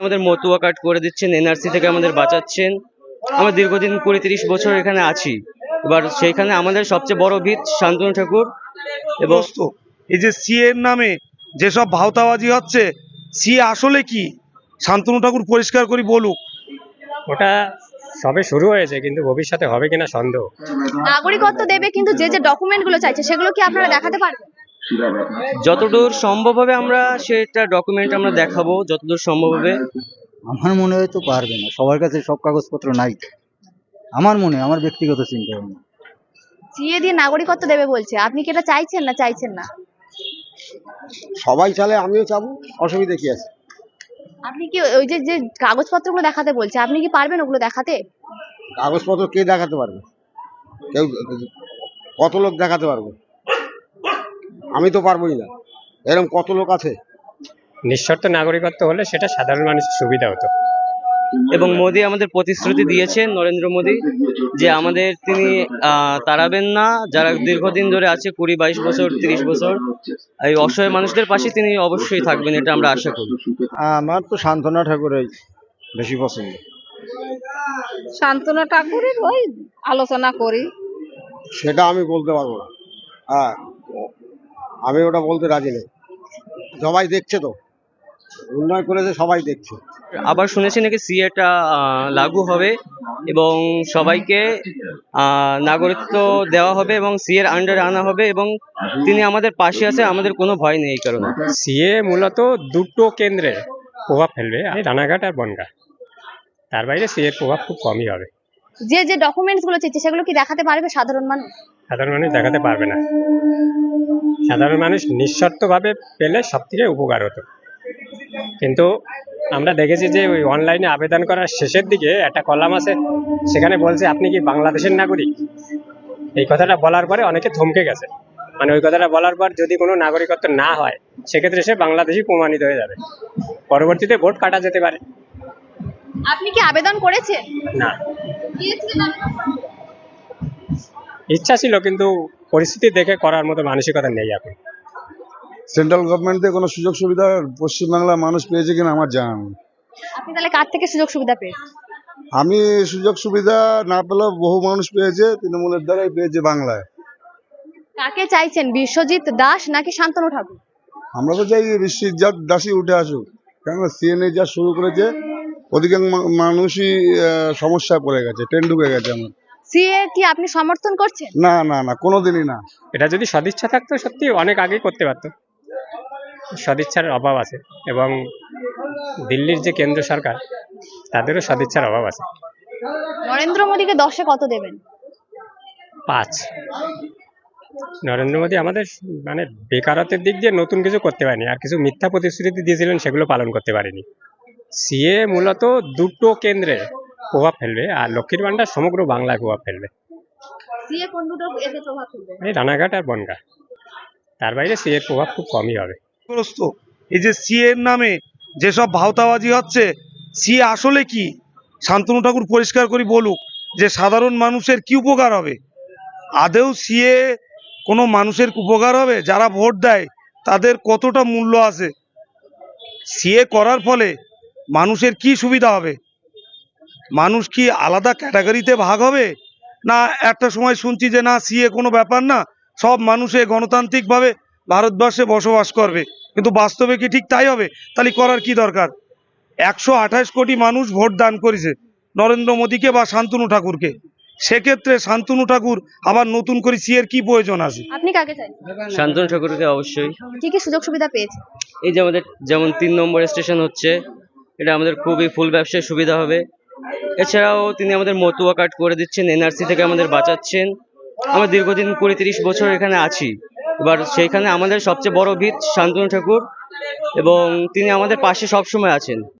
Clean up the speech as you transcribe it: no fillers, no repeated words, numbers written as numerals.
আমাদের মতুয়া কার্ড করে দিচ্ছেন, এনআরসি থেকে আমাদের বাঁচাচ্ছেন। আমরা দীর্ঘদিন 20-30 বছর এখানে আছি। এবার সেইখানে আমাদের সবচেয়ে বড় ভিত শান্তনু ঠাকুর। এবং এই যে সিএ এর নামে যেসব ভাওতাবাজি হচ্ছে, সিএ আসলে কি শান্তনু ঠাকুর পরিষ্কার করে বলুক। ওটা সবে শুরু হয়েছে, কিন্তু ভবিষ্যতে হবে কিনা সন্দেহ। নাগরিকত্ব দেবে, কিন্তু যে যে ডকুমেন্ট গুলো চাইছে সেগুলো কি আপনারা দেখাতে পারবেন? যতদূর সম্ভব হবে আমরা সেটা ডকুমেন্ট আমরা দেখাবো, যতদূর সম্ভব হবে। আমার মনে হয় তো পারবে না, সবার কাছে সব কাগজপত্র নাই। আমার ব্যক্তিগত চিন্তা ভাবনা। সিএ দিয়ে নাগরিকত্ব দেবে বলছে, আপনি কি এটা চাইছেন না চাইছেন না? সবাই চালে আমিও চাবো, অসুবিধা কি আছে? আপনি কি ওই যে যে কাগজপত্রগুলো দেখাতে বলছে, আপনি কি পারবেন ওগুলো দেখাতে? কাগজপত্র কে দেখাতে পারবে? কেউ, কত লোক দেখাতে পারবে? আমি তো পারবোই না। এরকম কত লোক আছে? নিঃশর্ত নাগরিকত্ব হলে সেটা সাধারণ মানুষের সুবিধা হতো। এবং মোদি আমাদের প্রতিশ্রুতি দিয়েছেন, নরেন্দ্র মোদি, যে আমাদের তিনি তাড়াবেন না। যারা দীর্ঘদিন ধরে আছে, 20-22 বছর, 30 বছর, এই অসহায় মানুষদের পাশে তিনি অবশ্যই থাকবেন, এটা আমরা আশা করি। আমার তো শান্তনা ঠাকুরের বেশি পছন্দ। শান্তনু ঠাকুরের ওই আলোচনা করি। সেটা আমি বলতে পারবো না। হ্যাঁ, আমি ওটা বলতে রাজি নেই। সবাই দেখছে তো, উন্নয়ন করেছে, সবাই দেখছে। আবার শুনেছি নাকি সিএটা লাগু হবে এবং সবাইকে নাগরিকত্ব দেওয়া হবে এবং সিএর আন্ডারে আনা হবে, এবং তিনি আমাদের পাশে আছে, আমাদের কোনো ভয় নেই এই কারণে। সিএ মূলত দুটো কেন্দ্রে প্রভাব ফেলবে, রানাঘাট আর বনগাঁ। তার বাইরে সিএ এর প্রভাব খুব কমই হবে। যে যে ডকুমেন্টস গুলো চাইছে সেগুলো কি দেখাতে পারবে সাধারণ মানুষ? সাধারণ মানুষ দেখাতে পারবে না। সাধারণ মানুষ নিঃশর্তভাবে পেলে সব থেকে উপকার হতো। কিন্তু আমরা দেখেছি যে ওই অনলাইনে আবেদন করার শেষের দিকে একটা কলাম আছে, সেখানে বলছে আপনি কি বাংলাদেশের নাগরিক। এই কথাটা বলার পরে অনেকে থমকে গেছে। মানে ওই কথাটা বলার পর যদি কোনো নাগরিকত্ব না হয়, সেক্ষেত্রে সে বাংলাদেশি প্রমাণিত হয়ে যাবে, পরবর্তীতে ভোট কাটা যেতে পারে। আপনি কি আবেদন করেছেন? না, দিয়েছিলেন আবেদন? ইচ্ছা ছিল, কিন্তু পরিস্থিতি দেখে করার মতো মানসিকতা নেই এখন। সেন্ট্রাল গভর্নমেন্ট থেকে কোনো সুযোগ সুবিধা পশ্চিমবাংলার মানুষ পেয়েছে কিনা আমার জানা নেই। আপনি তাহলে কার থেকে সুযোগ সুবিধা পেয়েছেন? আমি সুযোগ সুবিধা না পেলেও বহু মানুষ পেয়েছে, তৃণমূলের দ্বারাই পেয়েছে বাংলায়। কাকে চাইছেন, বিশ্বজিৎ দাস নাকি শান্তনু ঠাকুর? আমরা তো চাই বিশ্বজিৎ দাসই উঠে আসুক, কেননা সিএনএ যা শুরু করেছে, অধিকাংশ মানুষই সমস্যায় পড়ে গেছে, ট্রেন ঢুকে গেছে আমার। সিএ কি আপনি সমর্থন করছেন? না না না, কোনোদিনই না। এটা যদি সদিচ্ছা থাকতো সত্যি অনেক আগেই করতে পারতো। সদিচ্ছার অভাব আছে, এবং দিল্লির যে কেন্দ্র সরকার, তাদেরও সদিচ্ছার অভাব আছে। নরেন্দ্র মোদীকে 10-এ কত দেবেন? 5। নরেন্দ্র মোদী আমাদের মানে বেকারত্বের দিক দিয়ে নতুন কিছু করতে পারেনি, আর কিছু মিথ্যা প্রতিশ্রুতি দিয়েছিলেন, সেগুলো পালন করতে পারেনি। সিএ মূলত দুটো কেন্দ্রে প্রভাব ফেলবে, আর লক্ষ্মীর ভান্ডার সমগ্র বাংলায় প্রভাব ফেলবে। সিএ কোন দুটো এতে প্রভাব ফেলবে? এই রানাঘাট আর বনগাঁ। তার বাইরে সিএ এর প্রভাব খুব কমই হবে। এই যে সিএ এর নামে যেসব ভাওতাবাজি হচ্ছে, সিএ আসলে কি শান্তনু ঠাকুর পরিষ্কার করে বলুক, যে সাধারণ মানুষের কি উপকার হবে। আদেও সিএ কোনো মানুষের উপকার হবে? যারা ভোট দেয় তাদের কতটা মূল্য আছে? সিএ করার ফলে মানুষের কি সুবিধা হবে? মানুষ কি আলাদা ক্যাটাগরিতে ভাগ হবে? না একটা সময় শুনছি যে না, সিএ কোনো ব্যাপার না, সব মানুষে গণতান্ত্রিকভাবে ভারতবর্ষে বসবাস করবে, কিন্তু বাস্তবে কি ঠিক তাই হবে? তাহলে করার কি দরকার? 128 কোটি মানুষ ভোট দান করেছে নরেন্দ্র মোদীকে বা শান্তনু ঠাকুরকে। সেক্ষেত্রে শান্তনু ঠাকুর আবার নতুন করে সিএর কি প্রয়োজন আছে? আপনি কাকে চাইছেন? শান্তনু ঠাকুরকে অবশ্যই। কি কি সুযোগ সুবিধা পেয়েছে? এই যে আমাদের যেমন 3 নম্বর স্টেশন হচ্ছে, এটা আমাদের খুবই ফুল ব্যবসায় সুবিধা হবে। এছাড়াও তিনি আমাদের মতুয়া কার্ড করে দিচ্ছেন, এনআরসি থেকে আমাদের বাঁচাচ্ছেন। আমরা দীর্ঘদিন 20-30 বছর এখানে আছি। এবার সেইখানে আমাদের সবচেয়ে বড় ভিত শান্তনু ঠাকুর, এবং তিনি আমাদের পাশে সবসময় আছেন।